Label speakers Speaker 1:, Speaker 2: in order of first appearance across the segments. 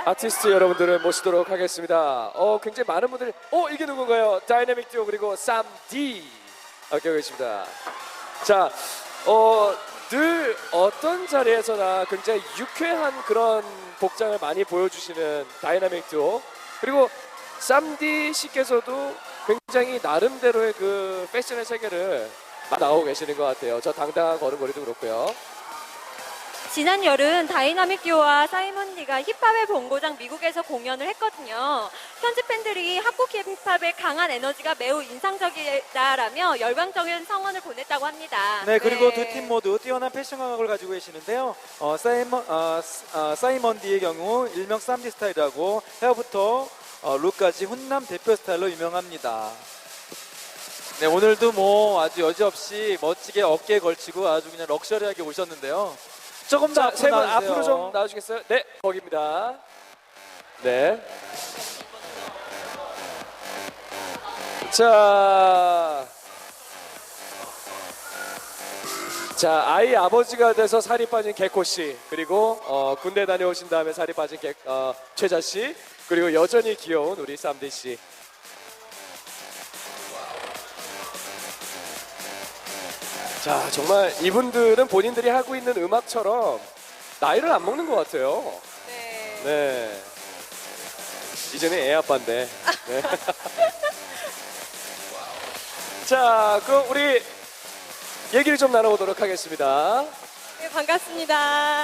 Speaker 1: 아티스트 여러분들을 모시도록 하겠습니다. 굉장히 많은 분들이 이게 누군가요? 다이내믹 듀오 그리고 쌈디 함께 계십니다. 자, 늘 어떤 자리에서나 굉장히 유쾌한 그런 복장을 많이 보여주시는 다이내믹 듀오 그리고 쌈디 씨께서도 굉장히 나름대로의 그 패션의 세계를 나오고 계시는 것 같아요. 저 당당한 걸음걸이도 그렇고요.
Speaker 2: 지난 여름 다이나믹 듀오와 사이먼 디가 힙합의 본고장 미국에서 공연을 했거든요. 현지 팬들이 한국 힙합의 강한 에너지가 매우 인상적이다라며 열광적인 성원을 보냈다고 합니다.
Speaker 3: 네, 그리고 두 팀 모두 뛰어난 패션 감각을 가지고 계시는데요. 사이먼 디의 경우 일명 쌈디 스타일이라고 헤어부터 룩까지 훈남 대표 스타일로 유명합니다. 네, 오늘도 뭐 아주 여지없이 멋지게 어깨에 걸치고 아주 그냥 럭셔리하게 오셨는데요. 조금 더
Speaker 1: 세 분
Speaker 3: 나와주세요.
Speaker 1: 앞으로 좀 나와주시겠어요? 네, 거기입니다. 네. 자, 아이 아버지가 돼서 살이 빠진 개코 씨, 그리고 군대 다녀오신 다음에 살이 빠진 최자 씨, 그리고 여전히 귀여운 우리 쌈디 씨. 자, 정말 이분들은 본인들이 하고 있는 음악처럼 나이를 안 먹는 것 같아요.
Speaker 2: 네.
Speaker 1: 네. 이제는 애 아빠인데. 네. 자, 그럼 우리 얘기를 좀 나눠보도록 하겠습니다.
Speaker 2: 네, 반갑습니다.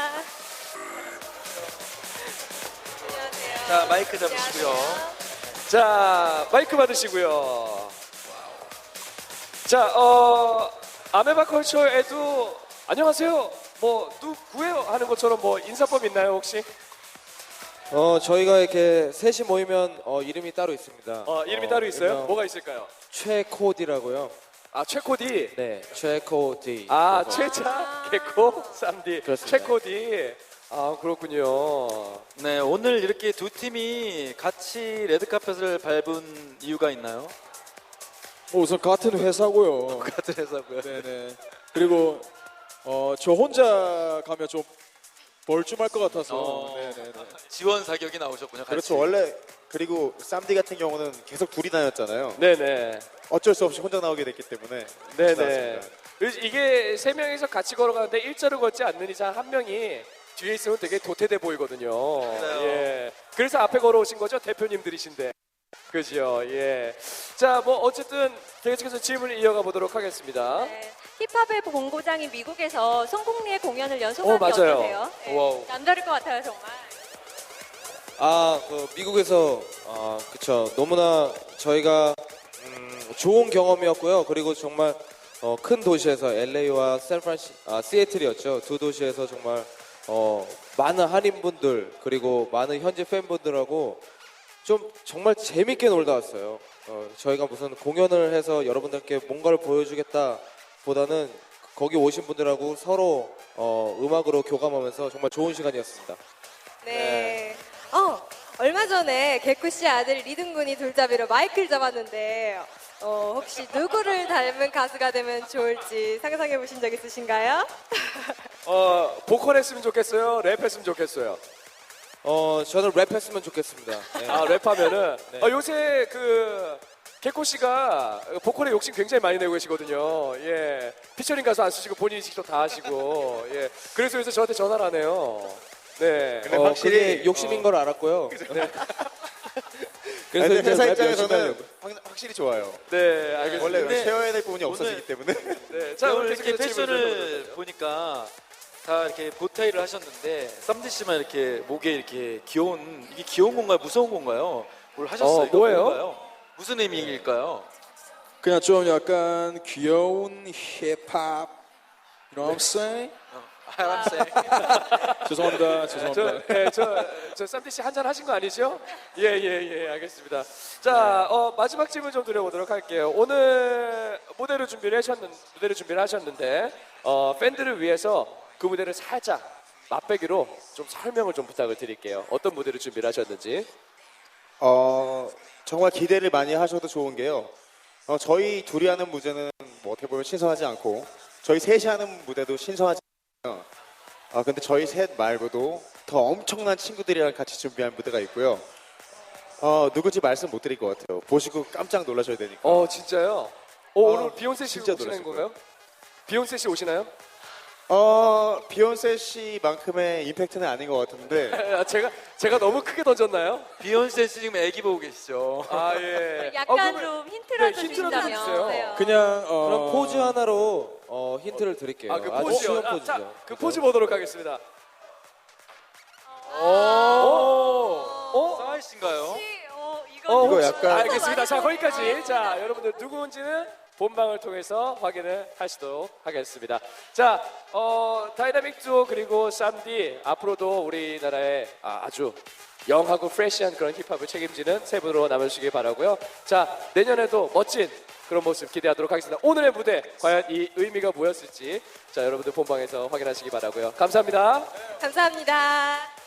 Speaker 2: 안녕하세요.
Speaker 3: 자, 마이크 잡으시고요.
Speaker 1: 자, 마이크 받으시고요. 자, 아메바 컬처에도 안녕하세요. 뭐 누구예요 하는 것처럼 뭐 인사법 있나요 혹시?
Speaker 4: 저희가 이렇게 셋이 모이면 이름이 따로 있습니다.
Speaker 1: 이름이 따로 있어요?
Speaker 4: 일명
Speaker 1: 뭐가 있을까요?
Speaker 4: 최코디라고요.
Speaker 1: 아, 최코디.
Speaker 4: 네, 최코디.
Speaker 1: 아,
Speaker 4: 그래서
Speaker 1: 최자, 개코, 쌈디,
Speaker 4: 그렇습니다.
Speaker 1: 최코디. 아, 그렇군요.
Speaker 3: 네, 오늘 이렇게 두 팀이 같이 레드카펫을 밟은 이유가 있나요?
Speaker 5: 우선 같은 회사고요.
Speaker 3: 같은 회사고요.
Speaker 5: 네네. 그리고 저 혼자 가면 좀 벌쭘할 것 같아서. 네네네.
Speaker 3: 지원 사격이 나오셨군요. 같이.
Speaker 6: 그렇죠. 원래 그리고 쌈디 같은 경우는 계속 둘이 다녔잖아요.
Speaker 1: 네네.
Speaker 6: 어쩔 수 없이 혼자 나오게 됐기 때문에
Speaker 1: 네네.
Speaker 6: 나왔습니다.
Speaker 1: 그래서 이게 세 명이서 같이 걸어가는데 일자로 걷지 않는 이상 한 명이 뒤에 있으면 되게 도태돼 보이거든요.
Speaker 3: 맞아요.
Speaker 1: 예. 그래서 앞에 걸어오신 거죠? 대표님들이신데. 그죠? 예. 자, 뭐 어쨌든 계속해서 질문을 이어가 보도록 하겠습니다.
Speaker 2: 네. 힙합의 본고장인 미국에서 송국리의 공연을 연속하기
Speaker 1: 맞아요.
Speaker 2: 어떠세요?
Speaker 1: 와우.
Speaker 2: 남다를 것 같아요, 정말.
Speaker 4: 미국에서 그쵸. 너무나 저희가 좋은 경험이었고요. 그리고 정말 큰 도시에서 LA와 시애틀이었죠. 두 도시에서 정말 많은 한인분들 그리고 많은 현지 팬분들하고 좀 정말 재밌게 놀다 왔어요. 저희가 무슨 공연을 해서 여러분들께 뭔가를 보여주겠다 보다는 거기 오신 분들하고 서로 음악으로 교감하면서 정말 좋은 시간이었습니다.
Speaker 2: 네. 얼마 전에 개쿠 씨 아들 리든 군이 둘잡이로 마이크를 잡았는데 혹시 누구를 닮은 가수가 되면 좋을지 상상해 보신 적 있으신가요?
Speaker 1: 보컬 했으면 좋겠어요? 랩 했으면 좋겠어요?
Speaker 4: 저는 랩했으면 좋겠습니다. 네.
Speaker 1: 아, 랩하면은
Speaker 4: 네.
Speaker 1: 요새 그 개코 씨가 보컬에 욕심 굉장히 많이 내고 계시거든요. 예, 피처링 가수 안 쓰시고 본인이 직접 다 하시고, 예, 그래서 요새 저한테 전화를 하네요. 네.
Speaker 6: 근데 확실히
Speaker 4: 그게 욕심인 걸 알았고요. 네. 그래서
Speaker 6: 근데
Speaker 4: 이제
Speaker 6: 회사
Speaker 4: 랩 열심히
Speaker 6: 입장에서는
Speaker 4: 하려고.
Speaker 6: 확실히 좋아요.
Speaker 1: 네, 알겠습니다.
Speaker 6: 원래
Speaker 3: 근데
Speaker 6: 채워야 될 부분이
Speaker 3: 오늘-
Speaker 6: 없어지기 때문에.
Speaker 1: 네,
Speaker 3: 자, 오늘
Speaker 1: 계속해서
Speaker 3: 이렇게
Speaker 1: 질문을
Speaker 3: 패션을
Speaker 1: 해보도록
Speaker 3: 보니까 다 이렇게 보타이를 하셨는데 쌈디 씨만 이렇게 목에 이렇게 이게 귀여운 건가요? 무서운 건가요? 뭘 하셨어요? 이거
Speaker 1: 뭐예요?
Speaker 3: 뭔가요? 무슨 의미일까요?
Speaker 5: 그냥 좀 약간 귀여운 힙합. You know what I'm saying?
Speaker 3: 하람쌤.
Speaker 5: 죄송합니다. 죄송합니다.
Speaker 1: 저 쌈디 씨 한잔 하신 거 아니죠? 예, 알겠습니다. 자, 마지막 질문 좀 드려보도록 할게요. 오늘 무대를 준비를 하셨는데, 팬들을 위해서 그 무대를 살짝 맛배기로 좀 설명을 좀 부탁을 드릴게요. 어떤 무대를 준비를 하셨는지.
Speaker 6: 정말 기대를 많이 하셔도 좋은 게요. 저희 둘이 하는 무대는 뭐 어떻게 보면 신선하지 않고 저희 셋이 하는 무대도 신선하지 않아요. 근데 저희 셋 말고도 더 엄청난 친구들이랑 같이 준비한 무대가 있고요. 누구지 말씀 못 드릴 것 같아요. 보시고 깜짝 놀라셔야 되니까.
Speaker 1: 진짜요? 오늘 비욘세 씨
Speaker 6: 진짜
Speaker 1: 오시는
Speaker 6: 놀랐을
Speaker 1: 건가요? 비욘세 씨 오시나요?
Speaker 6: 비욘세 씨만큼의 임팩트는 아닌 것 같은데
Speaker 1: 제가 너무 크게 던졌나요?
Speaker 3: 비욘세 씨 지금 애기 보고 계시죠?
Speaker 1: 아 예.
Speaker 2: 약간
Speaker 1: 그러면-
Speaker 2: 좀 힌트라도
Speaker 1: 네, 힌트라도
Speaker 2: 주신다면.
Speaker 1: 주세요.
Speaker 2: 네.
Speaker 5: 그냥
Speaker 4: 그럼 포즈 하나로 힌트를 드릴게요.
Speaker 1: 그
Speaker 4: 아주
Speaker 1: 포즈요.
Speaker 4: 쉬운
Speaker 1: 자,
Speaker 4: 포즈죠.
Speaker 1: 그 포즈 보도록 하겠습니다.
Speaker 3: 사이 씨인가요?
Speaker 2: 혹시,
Speaker 6: 이거
Speaker 2: 이거
Speaker 6: 약간-
Speaker 1: 알겠습니다. 자, 거기까지.
Speaker 2: 아,
Speaker 1: 자, 여러분들 누구인지는 본방을 통해서 확인을 하시도록 하겠습니다. 자, 다이나믹 듀오 그리고 쌈디 앞으로도 우리나라의 아주 영하고 프레시한 그런 힙합을 책임지는 세 분으로 남아주시기 바라고요. 자, 내년에도 멋진 그런 모습 기대하도록 하겠습니다. 오늘의 무대 과연 이 의미가 뭐였을지 자, 여러분들 본방에서 확인하시기 바라고요. 감사합니다.
Speaker 2: 감사합니다.